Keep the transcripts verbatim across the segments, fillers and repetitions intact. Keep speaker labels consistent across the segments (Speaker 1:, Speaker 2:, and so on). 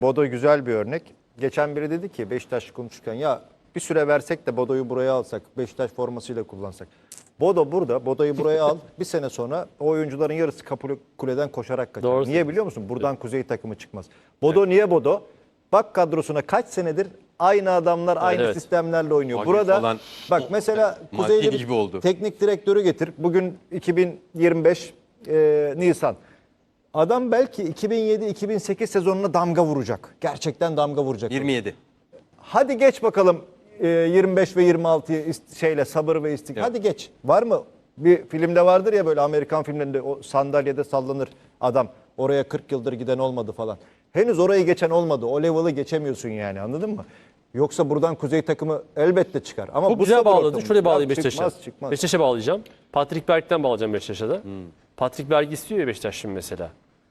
Speaker 1: Bodo güzel bir örnek. Geçen biri dedi ki Beşiktaş konuşurken ya bir süre versek de Bodo'yu buraya alsak, Beşiktaş formasıyla kullansak. Bodo burada, Bodo'yu buraya al. Bir sene sonra o oyuncuların yarısı Kapı Kule'den koşarak kaçar.
Speaker 2: Doğru.
Speaker 1: Niye biliyor musun? Buradan Kuzey takımı çıkmaz. Bodo evet. Niye Bodo? Bak kadrosuna kaç senedir aynı adamlar aynı
Speaker 2: evet.
Speaker 1: sistemlerle oynuyor.
Speaker 3: Magi
Speaker 1: Burada
Speaker 3: falan,
Speaker 1: bak mesela Kuzey'de
Speaker 3: gibi oldu.
Speaker 1: teknik direktörü getir. Bugün iki bin yirmi beş e, Nisan. Adam belki iki bin yedi iki bin sekiz sezonuna damga vuracak. Gerçekten damga vuracak.
Speaker 3: yirmi yedi.
Speaker 1: Hadi geç bakalım e, yirmi beş ve yirmi altıyı ist- şeyle sabır ve istik.
Speaker 3: Evet.
Speaker 1: Hadi geç. Var mı? Bir filmde vardır ya böyle Amerikan filmlerinde o sandalyede sallanır adam. Oraya kırk yıldır giden olmadı falan. Henüz orayı geçen olmadı. O level'ı geçemiyorsun yani, anladın mı? Yoksa buradan Kuzey takımı elbette çıkar. Ama
Speaker 2: Çok
Speaker 1: bu
Speaker 2: güzel
Speaker 1: sabır
Speaker 2: bağladın.
Speaker 1: ortamı-
Speaker 2: Şöyle bağlayayım
Speaker 1: Ya
Speaker 2: Beşiktaş'a.
Speaker 1: Çıkmaz çıkmaz.
Speaker 2: Beşiktaş'a bağlayacağım. Patrick Berg'den bağlayacağım Beşiktaş'a da. Patrick Berg istiyor ya Beşiktaş şimdi mesela.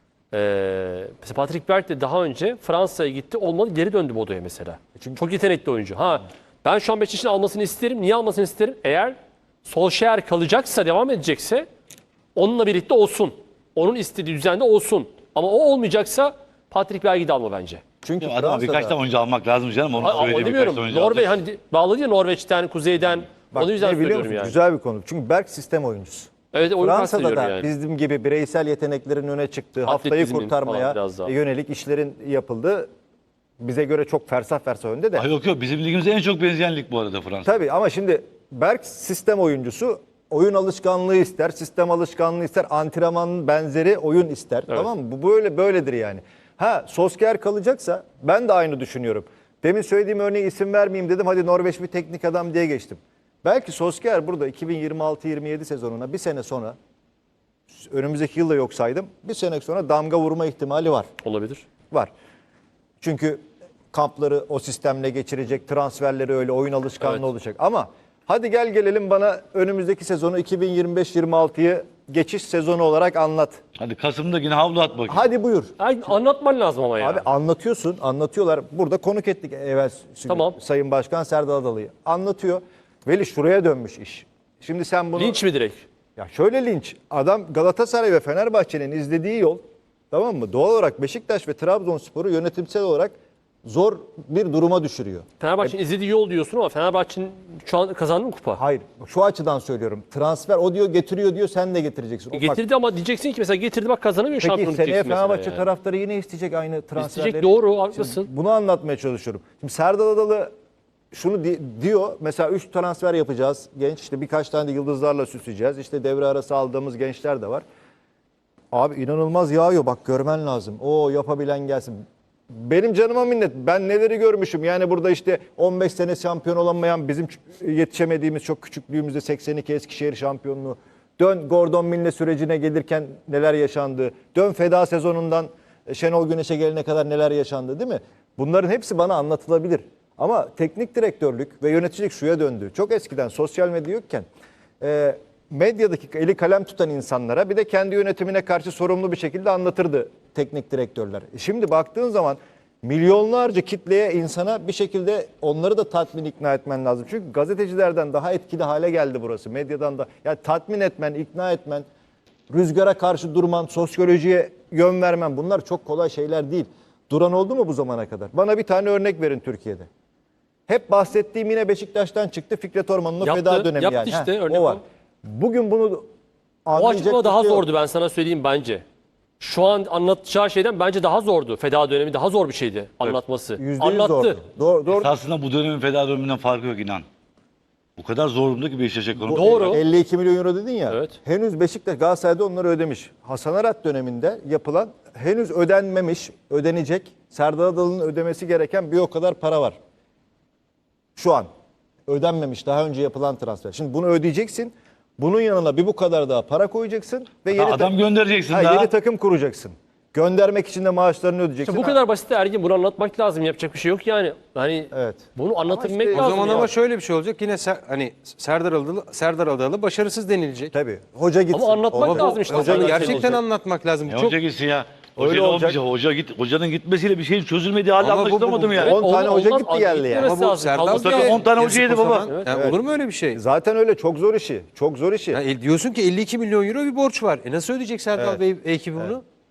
Speaker 2: Ee, mesela Patrick Berg de daha önce Fransa'ya gitti. Olmadı, geri döndü Bodo'ya mesela.
Speaker 1: Çünkü-
Speaker 2: Çok yetenekli oyuncu. Ha, ben şu an Beşiktaş'ın almasını isterim. Niye almasını isterim? Eğer Solskjaer kalacaksa, devam edecekse onunla birlikte olsun. Onun istediği düzende olsun. Ama o olmayacaksa Patrick Berg'i de alma bence.
Speaker 1: Çünkü
Speaker 4: Ya adama birkaç
Speaker 1: Fransa'da
Speaker 4: tane oyuncu almak lazım canım. Onu
Speaker 2: Ha, ama
Speaker 4: söyledi birkaç
Speaker 2: demiyorum.
Speaker 4: tane oyuncu
Speaker 2: Norveç
Speaker 4: alacak.
Speaker 2: hani bağladı ya Norveç'ten, Kuzey'den.
Speaker 1: bak,
Speaker 2: Onu yüzden
Speaker 1: ne biliyor
Speaker 2: söylüyorum
Speaker 1: musun?
Speaker 2: yani.
Speaker 1: Güzel bir konu. Çünkü Berk sistem oyuncusu.
Speaker 2: Evet, oyun
Speaker 1: Fransa'da
Speaker 2: kastediyorum
Speaker 1: da
Speaker 2: yani.
Speaker 1: bizim gibi bireysel yeteneklerin öne çıktığı, haftayı
Speaker 2: Atletizmin
Speaker 1: kurtarmaya
Speaker 2: falan biraz daha.
Speaker 1: yönelik işlerin yapıldığı, bize göre çok fersah fersah önde de.
Speaker 4: Ay yok yok bizim ligimize en çok benzeyen lig bu arada Fransa.
Speaker 1: Tabii ama şimdi Berk sistem oyuncusu, oyun alışkanlığı ister, sistem alışkanlığı ister, antrenmanın benzeri oyun ister.
Speaker 2: Evet.
Speaker 1: Tamam mı? Bu böyle böyledir yani. Ha, Solskjaer kalacaksa ben de aynı düşünüyorum. Demin söylediğim örneği isim vermeyeyim dedim. Hadi Norveç bir teknik adam diye geçtim. Belki Solskjaer burada iki bin yirmi altı yirmi yedi sezonuna bir sene sonra, önümüzdeki yılda yok saydım, bir sene sonra damga vurma ihtimali var.
Speaker 2: Olabilir.
Speaker 1: Var. Çünkü kampları o sistemle geçirecek, transferleri öyle, oyun alışkanlığı
Speaker 2: Evet.
Speaker 1: olacak. Ama hadi gel gelelim bana önümüzdeki sezonu iki bin yirmi beş yirmi altıyı geçiş sezonu olarak anlat.
Speaker 4: Hadi Kasım'da yine havlu at bakayım.
Speaker 1: Hadi buyur.
Speaker 2: Ay, anlatman lazım ama ya.
Speaker 1: Abi anlatıyorsun, anlatıyorlar. Burada konuk ettik evvel
Speaker 2: Tamam.
Speaker 1: Sayın Başkan Serdar Adalı'yı. Anlatıyor. Veli şuraya dönmüş iş. Şimdi sen bunu...
Speaker 2: Linç mi direkt?
Speaker 1: Ya şöyle linç. Adam Galatasaray ve Fenerbahçe'nin izlediği yol, tamam mı? Doğal olarak Beşiktaş ve Trabzonspor'u yönetimsel olarak zor bir duruma düşürüyor.
Speaker 2: Fenerbahçe'nin izlediği yol diyorsun ama Fenerbahçe'nin şu an kazandı mı kupa?
Speaker 1: Hayır, şu açıdan söylüyorum. Transfer o diyor getiriyor diyor, sen de getireceksin. O bak,
Speaker 2: Getirdi ama diyeceksin ki mesela getirdi bak kazanamıyor
Speaker 1: peki
Speaker 2: şampiyonluk
Speaker 1: seneye
Speaker 2: diyeceksin mesela
Speaker 1: Fenerbahçe
Speaker 2: yani.
Speaker 1: taraftarı yine isteyecek aynı transferleri.
Speaker 2: İsteyecek, doğru, haklısın.
Speaker 1: Bunu anlatmaya çalışıyorum. Şimdi Serdar Adalı şunu di- diyor. Mesela üç transfer yapacağız. Genç işte birkaç tane de yıldızlarla süsleyeceğiz. İşte devre arası aldığımız gençler de var. Abi inanılmaz yağıyor. Bak görmen lazım. O yapabilen gelsin. Benim canıma minnet. Ben neleri görmüşüm. Yani burada işte on beş sene şampiyon olamayan, bizim ç- yetişemediğimiz çok küçüklüğümüzde seksen iki Eskişehir şampiyonluğu. Dön Gordon Milne sürecine gelirken neler yaşandı. Dön feda sezonundan Şenol Güneş'e gelene kadar neler yaşandı, değil mi? Bunların hepsi bana anlatılabilir. Ama teknik direktörlük ve yöneticilik şuya döndü. Çok eskiden sosyal medya yokken e, medyadaki eli kalem tutan insanlara bir de kendi yönetimine karşı sorumlu bir şekilde anlatırdı teknik direktörler. E Şimdi baktığın zaman milyonlarca kitleye, insana bir şekilde onları da tatmin ikna etmen lazım. Çünkü gazetecilerden daha etkili hale geldi burası. Medyadan da yani tatmin etmen, ikna etmen, rüzgara karşı durman, sosyolojiye yön vermen, bunlar çok kolay şeyler değil. Duran oldu mu bu zamana kadar? Bana bir tane örnek verin Türkiye'de. Hep bahsettiğim yine Beşiktaş'tan çıktı. Fikret Orman'ın o
Speaker 2: Yaptı,
Speaker 1: feda dönemi
Speaker 2: yaptı
Speaker 1: yani.
Speaker 2: işte,
Speaker 1: Heh,
Speaker 2: örnek
Speaker 1: o var.
Speaker 2: o.
Speaker 1: Bugün bunu
Speaker 2: O
Speaker 1: anlayacak
Speaker 2: açıklama daha
Speaker 1: bir şey yok.
Speaker 2: zordu, ben sana söyleyeyim bence. Şu an anlatacağı şeyden bence daha zordu. Feda dönemi daha zor bir şeydi anlatması.
Speaker 1: Yüzde yüz
Speaker 2: Anlattı.
Speaker 1: zordu. Doğru, doğru.
Speaker 4: Aslında bu dönemin feda döneminden farkı yok inan. O kadar zor durumda ki Beşiktaş ekonomi.
Speaker 2: Doğru.
Speaker 1: elli iki milyon euro dedin ya.
Speaker 2: Evet.
Speaker 1: Henüz Beşiktaş, Galatasaray'da onları ödemiş. Hasan Arat döneminde yapılan, henüz ödenmemiş, ödenecek, Serdar Adalı'nın ödemesi gereken bir o kadar para var. Şu an ödenmemiş, daha önce yapılan transfer. Şimdi bunu ödeyeceksin. Bunun yanına bir bu kadar daha para koyacaksın ve yeni
Speaker 4: Adam
Speaker 1: ta-
Speaker 4: göndereceksin
Speaker 1: ha,
Speaker 4: daha.
Speaker 1: yeni takım kuracaksın. Göndermek için de maaşlarını ödeyeceksin.
Speaker 2: İşte bu
Speaker 1: Ha,
Speaker 2: kadar basit de Ergin, bunu anlatmak lazım. Yapacak bir şey yok yani. Hani
Speaker 1: Evet.
Speaker 2: bunu anlatabilmek
Speaker 1: işte-
Speaker 5: O
Speaker 2: lazım.
Speaker 5: zaman
Speaker 2: ya.
Speaker 5: ama şöyle bir şey olacak. Yine Ser- hani Serdar Adalı, Serdar Adalı başarısız denilecek.
Speaker 1: Tabii. Hoca gitsin.
Speaker 2: Ama anlatmak
Speaker 1: Ama bu-
Speaker 2: lazım işte.
Speaker 1: Hoca
Speaker 2: Hoca
Speaker 1: gitsin.
Speaker 5: Gerçekten anlatmak lazım.
Speaker 4: Ya
Speaker 5: Çok
Speaker 4: hoca gitsin ya.
Speaker 1: Öyle
Speaker 4: Hoca
Speaker 1: olacak.
Speaker 4: olmayacak. Hoca git, hocanın gitmesiyle bir şeyin çözülmediği hali
Speaker 5: Ama bu- bu-
Speaker 4: anlaşılamadım
Speaker 5: bu-
Speaker 4: ya.
Speaker 2: Evet,
Speaker 1: on tane
Speaker 2: olmaz,
Speaker 1: hoca
Speaker 2: olmaz.
Speaker 1: gitti geldi yani.
Speaker 2: Gitmemesi
Speaker 5: Ama bu
Speaker 2: lazım.
Speaker 5: Serdar
Speaker 2: Kalması
Speaker 4: Takım
Speaker 5: Bey,
Speaker 4: on tane
Speaker 5: yazık
Speaker 4: hocaydı
Speaker 5: o
Speaker 4: baba.
Speaker 5: zaman.
Speaker 1: Evet,
Speaker 5: Yani
Speaker 1: evet.
Speaker 5: olur mu öyle bir şey?
Speaker 1: Zaten öyle, çok zor işi. Çok zor işi.
Speaker 5: Ya, e, diyorsun ki elli iki milyon euro bir borç var. E nasıl ödeyecek Serdar Bey ekibi bunu?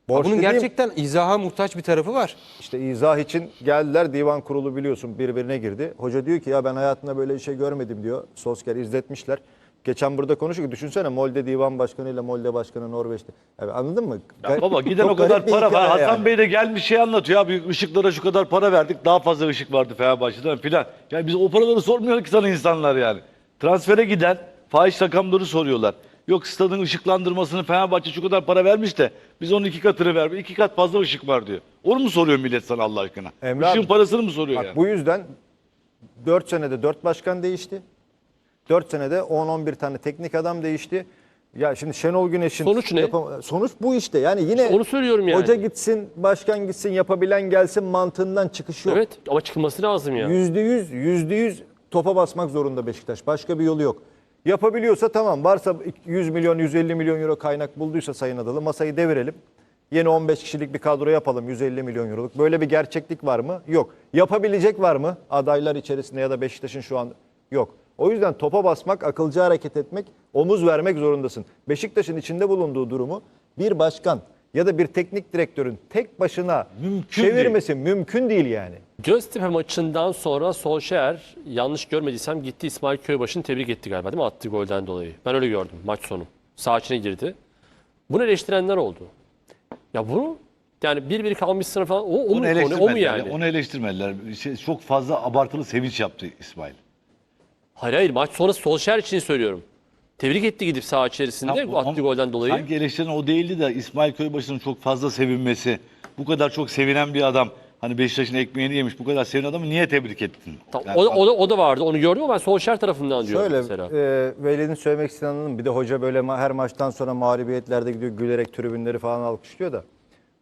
Speaker 1: Borç
Speaker 5: Bunun
Speaker 1: dediğim-
Speaker 5: gerçekten izaha muhtaç bir tarafı var.
Speaker 1: İşte izah için geldiler, divan kurulu biliyorsun birbirine girdi. Hoca diyor ki ya ben hayatımda böyle bir şey görmedim diyor. Solskjaer izletmişler. Geçen burada konuştuk. Düşünsene Molde Divan Başkanı ile Molde Başkanı Norveç'te. Yani anladın mı?
Speaker 4: Ya baba giden
Speaker 1: Çok
Speaker 4: o kadar
Speaker 1: garip bir
Speaker 4: para var.
Speaker 1: hikaye
Speaker 4: Hasan
Speaker 1: yani.
Speaker 4: Bey de gelmiş şey anlatıyor. Abi ışıklara şu kadar para verdik. Daha fazla ışık vardı Fenerbahçe'den filan. Yani biz o paraları sormuyor ki sana insanlar yani. Transfere giden fahiş rakamları soruyorlar. Yok stadın ışıklandırmasını Fenerbahçe şu kadar para vermiş de biz onun iki katını vermiş. İki kat fazla ışık var diyor. Onu mu soruyor millet sana Allah aşkına?
Speaker 1: Emre
Speaker 4: Işığın
Speaker 1: abi,
Speaker 4: parasını mı soruyor
Speaker 1: Bak
Speaker 4: yani?
Speaker 1: bu yüzden dört senede dört başkan değişti. dört senede on on bir tane teknik adam değişti. Ya şimdi Şenol Güneş'in
Speaker 2: Sonuç ne?
Speaker 1: yapam- sonuç bu işte. Yani yine
Speaker 2: İşte onu söylüyorum yani.
Speaker 1: hoca gitsin, başkan gitsin, yapabilen gelsin mantığından çıkış yok.
Speaker 2: Evet ama çıkılması lazım ya.
Speaker 1: Yüzde yüz, yüzde yüz topa basmak zorunda Beşiktaş. Başka bir yolu yok. Yapabiliyorsa tamam. Varsa yüz milyon, yüz elli milyon euro kaynak bulduysa Sayın Adalı masayı devirelim. Yeni on beş kişilik bir kadro yapalım yüz elli milyon euroluk. Böyle bir gerçeklik var mı? Yok. Yapabilecek var mı? Adaylar içerisinde ya da Beşiktaş'ın şu an yok. O yüzden topa basmak, akılcı hareket etmek, omuz vermek zorundasın. Beşiktaş'ın içinde bulunduğu durumu bir başkan ya da bir teknik direktörün tek başına
Speaker 4: Mümkün
Speaker 1: çevirmesi mümkün değil yani.
Speaker 2: Göztepe maçından sonra Solskjaer yanlış görmediysem gitti İsmail Köybaşı'nı tebrik etti galiba değil mi? Attığı golden dolayı. Ben öyle gördüm maç sonu. Sağ içine girdi. Bunu eleştirenler oldu. Ya bunu yani bir bir kalmışsın falan o, o, mu,
Speaker 4: Onu
Speaker 2: konu, o mu
Speaker 4: eleştirmediler.
Speaker 2: yani?
Speaker 4: Onu eleştirmediler. Şey, çok fazla abartılı sevinç yaptı İsmail.
Speaker 2: Hayır hayır maç sonrası Solskjaer için söylüyorum. Tebrik etti gidip saha içerisinde
Speaker 4: Ya,
Speaker 2: bu attığı
Speaker 4: ama
Speaker 2: golden dolayı.
Speaker 4: Sanki eleştiren o değildi de İsmail Köybaşı'nın çok fazla sevinmesi. Bu kadar çok sevinen bir adam. Hani Beşiktaş'ın ekmeğini yemiş. Bu kadar sevinen adamı niye tebrik ettin?
Speaker 2: Tamam,
Speaker 4: Yani
Speaker 2: o, da, o, da, o da vardı onu gördüm ama ben Solskjaer tarafından diyorum
Speaker 1: Şöyle
Speaker 2: mesela.
Speaker 1: e, Veli'nin söylemek istediğini anladım. Bir de hoca böyle ma- her maçtan sonra mağlubiyetlerde gidiyor gülerek tribünleri falan alkışlıyor da.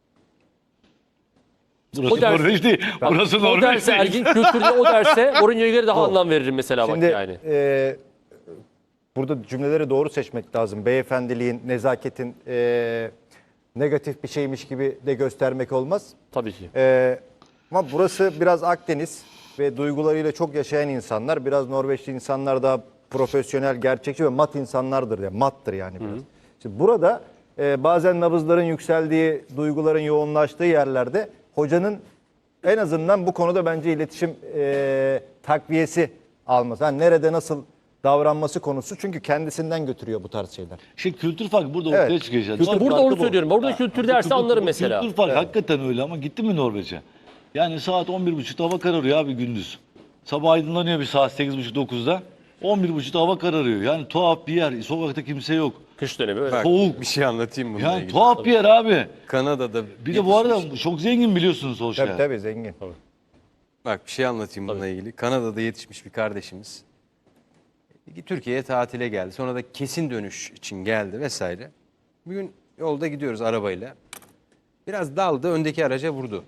Speaker 4: burası
Speaker 2: o ders-
Speaker 4: Norveç değil. Burası
Speaker 2: o
Speaker 4: Norveç
Speaker 2: derse
Speaker 4: değil.
Speaker 2: ergin kültürde o derse Mourinho'ya göre daha anlam veririm mesela
Speaker 1: Şimdi
Speaker 2: bak yani.
Speaker 1: e, burada cümleleri doğru seçmek lazım. Beyefendiliğin, nezaketin e, negatif bir şeymiş gibi de göstermek olmaz.
Speaker 2: Tabii ki.
Speaker 1: E, ama burası biraz Akdeniz ve duygularıyla çok yaşayan insanlar. Biraz Norveçli insanlar daha profesyonel, gerçekçi ve mat insanlardır. Yani mattır yani biraz. Şimdi burada e, bazen nabızların yükseldiği, duyguların yoğunlaştığı yerlerde hocanın en azından bu konuda bence iletişim e, takviyesi alması. Yani nerede nasıl davranması konusu çünkü kendisinden götürüyor bu tarz şeyler.
Speaker 4: Şey, kültür farkı burada
Speaker 1: Evet.
Speaker 4: ortaya çıkıyor.
Speaker 2: İşte
Speaker 4: Norveç
Speaker 2: burada
Speaker 4: farkı
Speaker 2: onu
Speaker 4: bu.
Speaker 2: söylüyorum. Burada
Speaker 4: Ha,
Speaker 2: kültür
Speaker 4: bu-
Speaker 2: dersi
Speaker 4: bu-
Speaker 2: anlarım
Speaker 4: bu
Speaker 2: mesela.
Speaker 4: Kültür farkı hakikaten öyle ama gitti mi Norveç'e? Yani saat on bir buçukta hava kararıyor abi gündüz. Sabah aydınlanıyor bir saat sekiz buçuk dokuzda. on bir buçukta hava kararıyor. Yani tuhaf bir yer. Sokakta kimse yok.
Speaker 2: Kış dönemi öyle.
Speaker 5: Bak,
Speaker 4: Soğuk.
Speaker 5: bir şey anlatayım bununla
Speaker 4: Yani
Speaker 5: ilgili.
Speaker 4: tuhaf bir yer abi.
Speaker 5: Kanada'da
Speaker 4: Bir de bu arada çok zengin biliyorsunuz Solskjaer.
Speaker 1: Tabii tabii zengin.
Speaker 5: Bak bir şey anlatayım bununla ilgili. Kanada'da yetişmiş bir kardeşimiz. Türkiye'ye tatile geldi. Sonra da kesin dönüş için geldi vesaire. Bir gün yolda gidiyoruz arabayla. Biraz daldı, öndeki araca vurdu.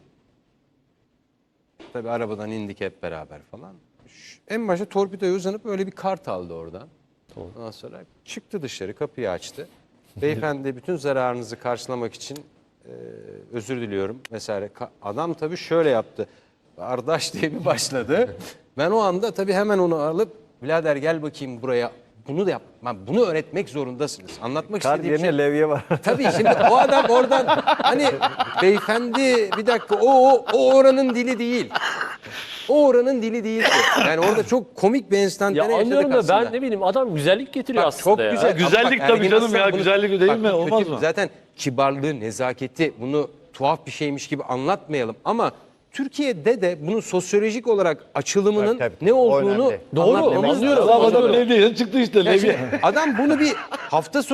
Speaker 5: Tabii arabadan indik hep beraber falan. Şu- En başta torpidoya uzanıp öyle bir kart aldı oradan. Ondan sonra çıktı dışarı, kapıyı açtı. Beyefendi bütün zararınızı karşılamak için e, özür diliyorum vesaire. Ka- Adam tabii şöyle yaptı. Kardeş diye bir başladı. Ben o anda tabii hemen onu alıp birader gel bakayım buraya. Bunu da yapma. Bunu öğretmek zorundasınız. Anlatmak
Speaker 1: Kart
Speaker 5: istediğim
Speaker 1: yerine
Speaker 5: şey.
Speaker 1: levye var.
Speaker 5: Tabii şimdi o adam oradan hani beyefendi bir dakika o, o, o oranın dili değil. O oranın dili değil. Yani orada çok komik bir
Speaker 2: Ya
Speaker 5: enstantane yaşadık
Speaker 2: anlıyorum da
Speaker 5: aslında.
Speaker 2: ben ne bileyim adam güzellik getiriyor
Speaker 5: Bak,
Speaker 2: aslında
Speaker 5: çok
Speaker 2: ya.
Speaker 5: güzel.
Speaker 4: Güzellik
Speaker 5: Ama
Speaker 4: tabii
Speaker 5: Ergin
Speaker 4: canım
Speaker 5: Aslan
Speaker 4: ya,
Speaker 5: bunu-
Speaker 4: güzellik değil
Speaker 5: bak,
Speaker 4: mi? Olmaz
Speaker 5: kötü-
Speaker 4: mı?
Speaker 5: Zaten kibarlığı, nezaketi bunu tuhaf bir şeymiş gibi anlatmayalım. Ama Türkiye'de de bunun sosyolojik olarak açılımının
Speaker 1: Tabii, tabii.
Speaker 5: ne
Speaker 1: O
Speaker 5: olduğunu
Speaker 1: önemli.
Speaker 2: Doğru,
Speaker 5: anlatmamız
Speaker 2: anlıyorum.
Speaker 5: lazım.
Speaker 4: Adam Levye'den çıktı işte
Speaker 5: Ya
Speaker 4: Levye.
Speaker 5: şimdi adam bunu bir hafta sonu